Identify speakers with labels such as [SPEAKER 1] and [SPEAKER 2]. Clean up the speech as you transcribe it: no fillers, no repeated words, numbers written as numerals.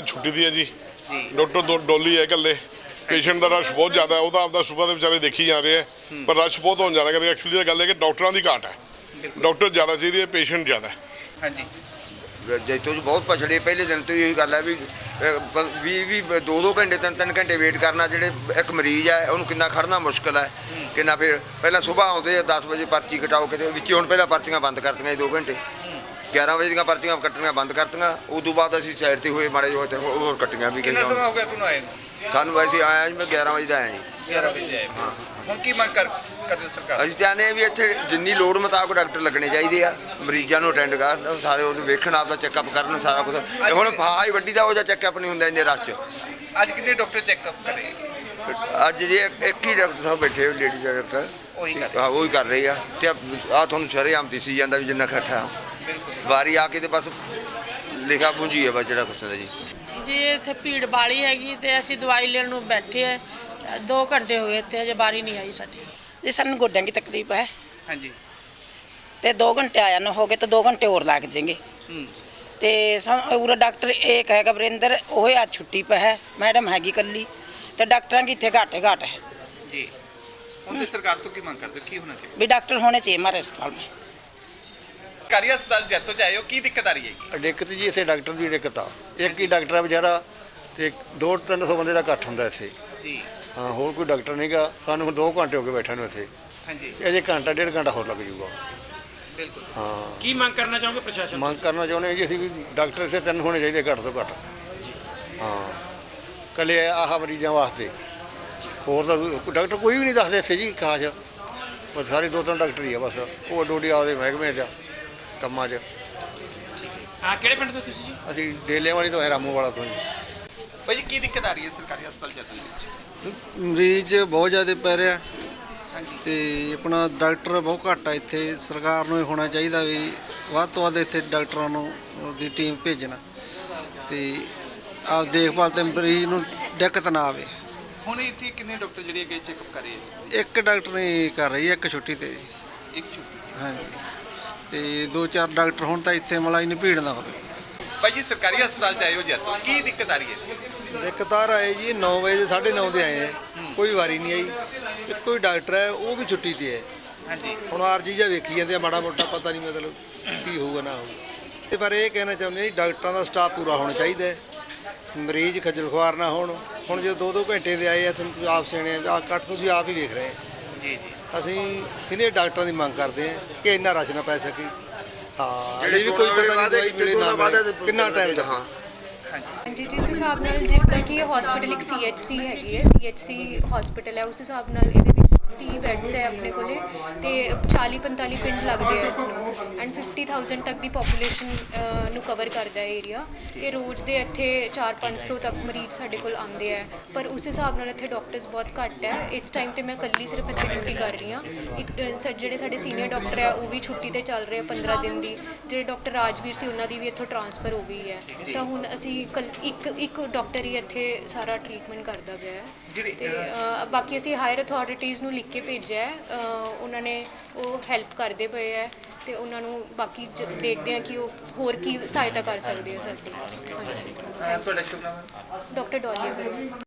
[SPEAKER 1] ਅੱਜ ਛੁੱਟੀ ਦੀ ਹੈ ਜੀ। ਡਾਕਟਰ ਡੋਲੀ ਹੈ ਇਕੱਲੇ। ਪੇਸ਼ੈਂਟ ਦਾ ਰਸ਼ ਬਹੁਤ ਜ਼ਿਆਦਾ ਹੈ। ਉਹ ਤਾਂ ਆਪਦਾ ਸੁਬਾ ਦੇ ਵਿਚਾਰੇ ਦੇਖੀ ਜਾ ਰਹੇ ਹੈ, ਪਰ ਰਸ਼ ਬਹੁਤ ਹੋਣ ਜ਼ਿਆਦਾ ਕਰਕੇ ਐਕਚੁਅਲੀ ਇਹ ਗੱਲ ਹੈ ਕਿ ਡਾਕਟਰਾਂ ਦੀ ਘਾਟ ਹੈ। ਡਾਕਟਰ ਜ਼ਿਆਦਾ ਚਾਹੀਦੇ ਹੈ, ਪੇਸ਼ੈਂਟ ਜ਼ਿਆਦਾ ਹੈ।
[SPEAKER 2] ਹਾਂਜੀ
[SPEAKER 3] ਜੈਤੋ ਜੀ ਬਹੁਤ ਪਛੜੇ। ਪਹਿਲੇ ਦਿਨ ਤੋਂ ਇਹੀ ਗੱਲ ਹੈ ਵੀ 2-2 ਘੰਟੇ 3-3 ਘੰਟੇ ਵੇਟ ਕਰਨਾ। ਜਿਹੜੇ ਇੱਕ ਮਰੀਜ਼ ਹੈ ਉਹਨੂੰ ਕਿੰਨਾ ਖੜਨਾ ਮੁਸ਼ਕਿਲ ਹੈ, ਕਿੰਨਾ। ਫਿਰ ਪਹਿਲਾਂ ਸੁਬਾਹ ਆਉਂਦੇ ਆ 10 ਵਜੇ ਪਰਚੀ ਕਟਾਓ ਕਿਤੇ ਵਿੱਚ। ਹੁਣ ਪਹਿਲਾਂ ਪਰਚੀਆਂ ਬੰਦ ਕਰਤੀਆਂ 2 ਘੰਟੇ। 11 ਵਜੇ ਦੀਆਂ ਪਰਚੀਆਂ ਕੱਟਣੀਆਂ ਬੰਦ ਕਰਤੀਆਂ। ਉਦੋਂ ਬਾਅਦ ਅਸੀਂ ਸਾਈਡ 'ਤੇ ਹੋਏ ਮਾੜੇ ਜਿਹੇ, ਹੋਰ ਕੱਟੀਆਂ ਵੀ
[SPEAKER 2] ਕਿੰਨਾ ਸਮਾਂ ਹੋ ਗਿਆ ਤੁਹਾਨੂੰ ਆਏ ਨੂੰ?
[SPEAKER 3] ਸਾਨੂੰ ਵੈਸੇ ਆਇਆ ਜੀ, ਮੈਂ 11 ਵਜੇ ਦਾ ਆਇਆ ਜੀ।
[SPEAKER 2] 11 ਵਜੇ ਆਏ।
[SPEAKER 3] ਹਾਂ,
[SPEAKER 2] ਹੁਣ ਕੀ ਮੰਗ ਕਰਦੇ ਸਰਕਾਰ?
[SPEAKER 3] ਅਸੀਂ ਚਾਹੁੰਦੇ ਹਾਂ ਵੀ ਇੱਥੇ ਜਿੰਨੀ ਲੋੜ ਮੁਤਾਬਕ ਡਾਕਟਰ ਲੱਗਣੇ ਚਾਹੀਦੇ ਆ। ਮਰੀਜ਼ਾਂ ਨੂੰ ਅਟੈਂਡ ਕਰਨ, ਸਾਰੇ ਉਹਨੂੰ ਵੇਖਣ, ਆਪਦਾ ਚੈੱਕਅਪ ਕਰਨ, ਸਾਰਾ ਕੁਝ। ਹੁਣ ਫਾਹਾ ਹੀ ਵੱਡੀ ਦਾ ਉਹ ਜਿਹਾ ਚੈੱਕਅਪ ਨਹੀਂ ਹੁੰਦਾ ਇੰਨੇ ਰਸ਼ 'ਚ।
[SPEAKER 2] ਅੱਜ ਕਿੰਨੇ ਡਾਕਟਰ ਚੈੱਕਅਪ ਕਰੇ?
[SPEAKER 3] ਅੱਜ ਜੇ ਇੱਕ ਹੀ ਡਾਕਟਰ ਸਾਹਿਬ ਬੈਠੇ ਲੇਡੀਜ਼ ਡਾਕਟਰ,
[SPEAKER 2] ਉਹੀ ਕਰ
[SPEAKER 3] ਹਾਂ ਉਹੀ ਕਰ ਰਹੇ ਆ। ਤੇ ਆ ਤੁਹਾਨੂੰ ਸ਼ਰੇਆਮ ਦਿਸੀ ਜਾਂਦਾ ਵੀ ਜਿੰਨਾ ਇਕੱਠਾ ਵਾਰੀ ਆ ਕੇ ਤੇ ਬਸ ਲਿਖਾ ਪੂੰਜੀ ਹੈ ਬਸ ਜਿਹੜਾ ਕੁਛ ਹੁੰਦਾ
[SPEAKER 4] ਜੀ। ਇੱਥੇ ਭੀੜ ਬਾਲੀ ਹੈਗੀ ਤੇ ਅਸੀਂ ਦਵਾਈ ਲੈਣ ਨੂੰ ਬੈਠੇ ਆ। 2 ਘੰਟੇ ਹੋ ਗਏ ਇੱਥੇ, ਅਜੇ ਬਾਰੀ ਨਹੀਂ ਆਈ ਸਾਡੀ
[SPEAKER 5] ਜੀ। ਸਾਨੂੰ ਗੋਡਿਆਂ ਦੀ ਤਕਲੀਫ ਹੈ
[SPEAKER 2] ਹਾਂਜੀ
[SPEAKER 5] ਤੇ 2 ਘੰਟੇ ਆਇਆ ਨਾ ਹੋ ਗਏ ਤੇ 2 ਘੰਟੇ ਹੋਰ ਲੱਗ ਜਾएंगे। ਤੇ ਸਾਨੂੰ ਉਰੇ ਡਾਕਟਰ ਇੱਕ ਹੈਗਾ ਵਰਿੰਦਰ, ਉਹ ਅੱਜ ਛੁੱਟੀ ਪਾ ਹੈ। ਮੈਡਮ ਹੈਗੀ ਕੱਲੀ ਤੇ ਡਾਕਟਰਾਂ ਦੀ ਇੱਥੇ ਘਾਟ ਹੈ
[SPEAKER 2] ਜੀ। ਹੁਣ ਤੇ ਸਰਕਾਰ ਤੋਂ ਕੀ ਮੰਗ ਕਰਦੇ ਹੋ? ਕੀ ਹੋਣਾ ਚਾਹੀਦਾ?
[SPEAKER 5] ਵੀ ਡਾਕਟਰ ਹੋਣੇ चाहिए हमारे अस्पताल में।
[SPEAKER 2] ਸਰਕਾਰੀ ਹਸਪਤਾਲ ਜੈਤੋ 'ਚ ਆਏ ਹੋ, ਕੀ ਦਿੱਕਤ ਆ ਰਹੀ ਹੈਗੀ?
[SPEAKER 6] ਦਿੱਕਤ ਜੀ ਇੱਥੇ ਡਾਕਟਰ ਦੀ ਦਿੱਕਤ ਆ। ਇੱਕ ਹੀ ਡਾਕਟਰ ਆ ਵਿਚਾਰਾ ਤੇ 200-300 ਬੰਦੇ ਦਾ ਇਕੱਠ ਹੁੰਦਾ ਇੱਥੇ।
[SPEAKER 2] ਜੀ
[SPEAKER 6] ਹਾਂ, ਹੋਰ ਕੋਈ ਡਾਕਟਰ ਨਹੀਂਗਾ। ਸਾਨੂੰ ਹੁਣ 2 ਘੰਟੇ ਹੋ ਗਏ ਬੈਠੇ ਨੂੰ ਇੱਥੇ,
[SPEAKER 2] ਹਾਂਜੀ
[SPEAKER 6] ਤੇ ਅਜੇ ਘੰਟਾ 1.5 ਘੰਟਾ ਹੋਰ ਲੱਗ ਜਾਊਗਾ।
[SPEAKER 2] ਬਿਲਕੁਲ।
[SPEAKER 6] ਹਾਂ,
[SPEAKER 7] ਕੀ ਮੰਗ ਕਰਨਾ ਚਾਹੋਗੇ ਪ੍ਰਸ਼ਾਸਨ?
[SPEAKER 6] ਮੰਗ ਕਰਨਾ ਚਾਹੁੰਦੇ ਹਾਂ ਜੀ ਅਸੀਂ ਵੀ ਡਾਕਟਰ ਇੱਥੇ 3 ਹੋਣੇ ਚਾਹੀਦੇ ਘੱਟ ਤੋਂ ਘੱਟ। ਹਾਂ, ਇਕੱਲੇ ਆਹ ਮਰੀਜ਼ਾਂ ਵਾਸਤੇ। ਹੋਰ ਤਾਂ ਡਾਕਟਰ ਕੋਈ ਵੀ ਨਹੀਂ ਦੱਸਦੇ ਇੱਥੇ ਜੀ ਖਾਸ। ਬਸ ਸਾਰੇ 2-3 ਡਾਕਟਰ ਹੀ ਆ ਬਸ। ਉਹ ਡੋਡੀ ਆਪਦੇ ਮਹਿਕਮੇ 'ਚ ਕੰਮਾਂ 'ਚ।
[SPEAKER 7] ਹਾਂ, ਕਿਹੜੇ ਪਿੰਡ ਤੋਂ ਤੁਸੀਂ ਜੀ?
[SPEAKER 6] ਅਸੀਂ ਡੇਲਿਆਂ ਵਾਲੀ ਤੋਂ ਹੈ, ਰਾਮੂ ਵਾਲਾ ਤੋਂ ਜੀ।
[SPEAKER 2] ਭਾਈ ਜੀ ਕੀ ਦਿੱਕਤ ਆ ਰਹੀ ਹੈ ਸਰਕਾਰੀ ਹਸਪਤਾਲ ਜੈਤੋ ਦੇ ਵਿੱਚ?
[SPEAKER 8] ਮਰੀਜ਼ ਬਹੁਤ ਜ਼ਿਆਦਾ ਪੈ ਰਿਹਾ
[SPEAKER 2] ਹਾਂਜੀ
[SPEAKER 8] ਤੇ ਆਪਣਾ ਡਾਕਟਰ ਬਹੁਤ ਘੱਟ ਆ ਇੱਥੇ। ਸਰਕਾਰ ਨੂੰ ਇਹ ਹੋਣਾ ਚਾਹੀਦਾ ਵੀ ਵੱਧ ਤੋਂ ਵੱਧ ਇੱਥੇ ਡਾਕਟਰਾਂ ਨੂੰ ਦੀ ਟੀਮ ਭੇਜਣਾ ਤੇ ਆਪ ਦੇਖਭਾਲ ਤੇ ਮਰੀਜ਼ ਨੂੰ ਦਿੱਕਤ ਨਾ ਆਵੇ।
[SPEAKER 2] ਹੁਣ ਇੱਥੇ ਕਿੰਨੇ ਡਾਕਟਰ ਜਿਹੜੇ ਅੱਗੇ ਚੈੱਕਅਪ ਕਰ ਰਹੇ ਹੈ?
[SPEAKER 8] ਇੱਕ ਡਾਕਟਰ ਨੇ ਕਰ ਰਹੀ ਹੈ, ਇੱਕ ਛੁੱਟੀ ਤੇ।
[SPEAKER 2] ਇੱਕ ਛੁੱਟੀ।
[SPEAKER 8] ਹਾਂਜੀ, ਤੇ 2-4 ਡਾਕਟਰ ਹੁਣ ਤਾਂ ਇੱਥੇ ਮਲਾਈ ਨਹੀਂ ਭੀੜ ਨਾ ਹੋਵੇ।
[SPEAKER 2] ਭਾਈ ਜੀ ਸਰਕਾਰੀ ਹਸਪਤਾਲ 'ਚ ਆਏ ਹੋ ਜੈਤੋ, ਕੀ ਦਿੱਕਤ ਆ ਰਹੀ ਹੈ?
[SPEAKER 9] ਦਿੱਕਤਾਰ ਆਏ ਜੀ 9 ਵਜੇ ਦੇ 9:30 ਦੇ ਆਏ ਹੈ, ਕੋਈ ਵਾਰੀ ਨਹੀਂ ਆਈ। ਇੱਕੋ ਹੀ ਡਾਕਟਰ ਹੈ, ਉਹ ਵੀ ਛੁੱਟੀ ਤੇ ਹੈ।
[SPEAKER 2] ਹਾਂਜੀ
[SPEAKER 9] ਹੁਣ ਆਰਜੀ ਜਿਹਾ ਵੇਖੀ ਜਾਂਦੇ ਆ, ਮਾੜਾ ਮੋਟਾ ਪਤਾ ਨਹੀਂ ਮਤਲਬ ਕੀ ਹੋਊਗਾ ਨਾ ਹੋਊਗਾ। ਤੇ ਪਰ ਇਹ ਕਹਿਣਾ ਚਾਹੁੰਦੇ ਹਾਂ ਜੀ ਡਾਕਟਰਾਂ ਦਾ ਸਟਾਫ ਪੂਰਾ ਹੋਣਾ ਚਾਹੀਦਾ ਹੈ, ਮਰੀਜ਼ ਖੱਜਲ ਖੁਆਰ ਨਾ ਹੋਣ। ਹੁਣ ਜੇ 2-2 ਘੰਟੇ ਦੇ ਆਏ ਆ, ਤੁਹਾਨੂੰ ਆਪ ਸਿਆਣੇ ਆ, ਕੱਟ ਤੁਸੀਂ ਆਪ ਹੀ ਵੇਖ ਰਹੇ ਆ।
[SPEAKER 2] ਜੀ ਜੀ।
[SPEAKER 9] ਅਸੀਂ ਸੀਨੀਅਰ ਡਾਕਟਰਾਂ ਦੀ ਮੰਗ ਕਰਦੇ ਹਾਂ ਕਿ ਇੰਨਾ ਰਸ਼ ਨਾ ਪੈ ਸਕੇ। ਹਾਂ, ਅਜੇ ਵੀ ਕੋਈ ਪਤਾ ਨਹੀਂ ਦਵਾਈ ਮਿਲੇ ਨਾ ਮਿਲੇ, ਕਿੰਨਾ ਟਾਈਮ ਦਾ। ਹਾਂ
[SPEAKER 10] ਹਾਂਜੀ, ਜਿਸ ਹਿਸਾਬ ਨਾਲ ਜਿੱਦਾਂ ਕਿ ਇਹ ਹਸਪੀਟਲ ਇੱਕ CHC ਹੈਗੀ ਹੈ, CHC ਹਸਪੀਟਲ ਹੈ, ਉਸ ਹਿਸਾਬ ਨਾਲ ਇਹਦੇ ਵਿੱਚ 30 ਬੈੱਡਸ ਹੈ ਆਪਣੇ ਕੋਲੇ ਤੇ 40-45 ਪਿੰਡ ਲੱਗਦੇ ਆ ਇਸ ਨੂੰ ਐਂਡ 50,000 ਤੱਕ ਦੀ ਪੋਪੂਲੇਸ਼ਨ ਨੂੰ ਕਵਰ ਕਰਦਾ ਹੈ ਏਰੀਆ। ਤੇ ਰੋਜ਼ ਦੇ ਇੱਥੇ 400-500 ਤੱਕ ਮਰੀਜ਼ ਸਾਡੇ ਕੋਲ ਆਉਂਦੇ ਆ, ਪਰ ਉਸ ਹਿਸਾਬ ਨਾਲ ਇੱਥੇ ਡਾਕਟਰਸ ਬਹੁਤ ਘੱਟ ਹੈ। ਇਸ ਟਾਈਮ ਤੇ ਮੈਂ ਇਕੱਲੀ ਸਿਰਫ ਇੱਥੇ ਡਿਊਟੀ ਕਰ ਰਹੀ ਹਾਂ। ਜਿਹੜੇ ਸਾਡੇ ਸੀਨੀਅਰ ਡਾਕਟਰ ਹੈ ਉਹ ਵੀ ਛੁੱਟੀ ਤੇ ਚੱਲ ਰਹੇ ਆ 15 ਦਿਨ ਦੀ। ਜਿਹੜੇ ਡਾਕਟਰ ਰਾਜਵੀਰ ਸੀ ਉਹਨਾਂ ਦੀ ਵੀ ਇੱਥੋਂ ਟ੍ਰਾਂਸਫਰ ਹੋ ਗਈ ਹੈ, ਤਾਂ ਹੁਣ ਅਸੀਂ ਇੱਕ ਡਾਕਟਰ ਹੀ ਇੱਥੇ ਸਾਰਾ ਟ੍ਰੀਟਮੈਂਟ ਕਰਦਾ ਪਿਆ ਹੈ। ਤੇ ਬਾਕੀ ਅਸੀਂ ਹਾਇਰ ਅਥਾਰਟੀਜ਼ ਨੂੰ ਲਿਖ ਕੇ ਭੇਜਿਆ ਹੈ, ਉਹਨਾਂ ਨੇ ਉਹ ਹੈਲਪ ਕਰਦੇ ਪਏ ਹੈ ਤੇ ਉਹਨਾਂ ਨੂੰ ਬਾਕੀ ਦੇਖਦੇ ਆ ਕਿ ਉਹ ਹੋਰ ਕੀ ਸਹਾਇਤਾ ਕਰ ਸਕਦੇ ਆ ਸਾਡੀ। ਹਾਂਜੀ,
[SPEAKER 2] ਤੁਹਾਡਾ ਸ਼ੁਭ ਨਾਮ?
[SPEAKER 10] ਡਾਕਟਰ ਡੋਲੀ ਅਗਰਵਾਲ।